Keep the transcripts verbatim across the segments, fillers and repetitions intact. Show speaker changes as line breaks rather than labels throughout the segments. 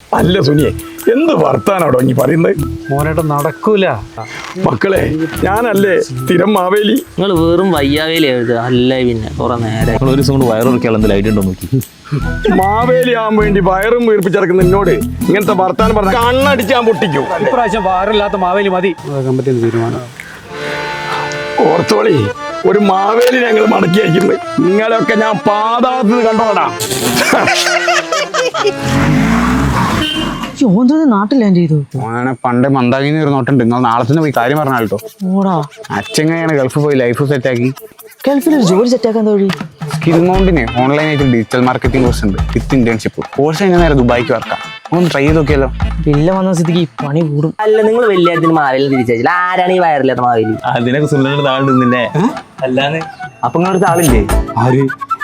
അല്ല സുനിയെ, എന്ത് വർത്താനാടോ നീ പറയുന്നത്?
മോനേട്ട നടക്കൂല
മക്കളെ, ഞാനല്ലേ സ്ഥിരം മാവേലി.
നിങ്ങൾ വെറും വയ്യാവേലി എഴുതുക അല്ല. പിന്നെ കുറെ നേരം
നിങ്ങൾ ഒരു ദിവസം കൊണ്ട് വയറുറക്കിയാൽ എന്തെങ്കിലും ഐഡിയ ഉണ്ടോ നോക്കി.
മാവേലി ആവാൻ വേണ്ടി വയറും വീർപ്പിച്ചിറക്കുന്ന എന്നോട് ഇങ്ങനത്തെ വർത്താനം പറഞ്ഞ കണ്ണടിച്ചാൻ പൊട്ടിക്കും.
ഇപ്രാവശ്യം വാറില്ലാത്ത മാവേലി മതി. കമ്പത്തിന് തീരുമാനം.
ഓർത്തോളി, ഒരു മാവേലി ഞങ്ങൾ മടക്കി അയക്കുന്നത്. നിങ്ങളെയൊക്കെ ഞാൻ പാതാളത്തിൽ കണ്ടോടാ.
നാട്ടിൽ ലാൻഡ് ചെയ്തു.
അങ്ങനെ പണ്ട് മന്ദാകിന്ന് ഒരു നോട്ടുണ്ട്. നിങ്ങൾ നാളെ തന്നെ പോയി കാര്യം പറഞ്ഞാലോ. അച്ഛനെയാണ് ഗൾഫിൽ പോയി ലൈഫ് സെറ്റ് ആക്കി.
ഗൾഫിൽ ഒരു ജോലി സെറ്റ് ആക്കാൻ വഴി.
സ്കിൽ മൗണ്ടിന് ഓൺലൈനായിട്ട് ഡിജിറ്റൽ മാർക്കറ്റിംഗ് കോഴ്സ് ഉണ്ട് വിത്ത് ഇന്റേൺഷിപ്പ്. കോഴ്സ് കഴിഞ്ഞ നേരെ ദുബായിക്ക് വർക്കാം. ഒന്ന് ട്രൈ ചെയ്ത് നോക്കിയല്ലോ.
വില്ല വന്ന സ്ഥിതിക്ക് പണി കൂടും. അല്ല, നിങ്ങൾ വലിയ മാവേലി തിരിച്ചയച്ചില്ല. ആരാണ് ഈ വയറില്ലാത്ത മാവേലി?
അതിനൊക്കെ സുന്ദരന്റെ താളുന്നില്ലേ? അല്ലാന്ന്
അപ്പൊ നിങ്ങളുടെ ആളില്ലേ?
ആര്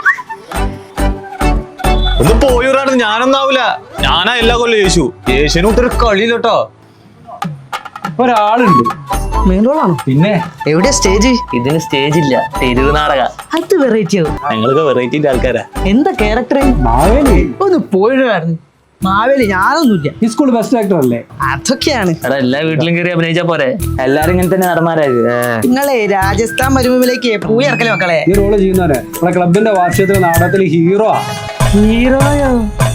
ഒന്ന് പോയൊരാണ്. ഞാനൊന്നാവൂല. ഞാനാ എല്ലാ കൊല്ലം യേശു. യേശുവിന് വിട്ടൊരു കളിയിലോട്ടോ.
ഒരാളുണ്ട്.
മെയിൻ റോളാണോ?
പിന്നെ
എവിടെ സ്റ്റേജ്? ഇതിന് സ്റ്റേജ് ഇല്ല, തെരുവ് നാടക. അത് വെറൈറ്റി ആവും.
ഞങ്ങളൊക്കെ വെറൈറ്റിന്റെ ആൾക്കാരാ.
എന്താ ക്യാരക്ടർ?
മാവേലി
ഒന്ന് പോയിട്ടായിരുന്നു. മാവേലി ഞാനൊന്നുമില്ല.
ഈ സ്കൂൾ ബെസ്റ്റ് ആക്ടർ അല്ലേ?
അതൊക്കെയാണ്.
എടാ, എല്ലാ വീട്ടിലും കയറി അഭിനയിച്ചാ പോരെ?
എല്ലാരും ഇങ്ങനെ തന്നെ നടന്മാരായത്. നിങ്ങളെ രാജസ്ഥാൻ മരുഭൂമിയിലേക്ക് പോയി ഇറക്കലേ മക്കളെ.
ഈ റോള് ചെയ്യുന്നവരെ നമ്മളെ ക്ലബിന്റെ വാർഷികത്തിലെ നാടകത്തിൽ ഹീറോ.
ഹീറോയോ?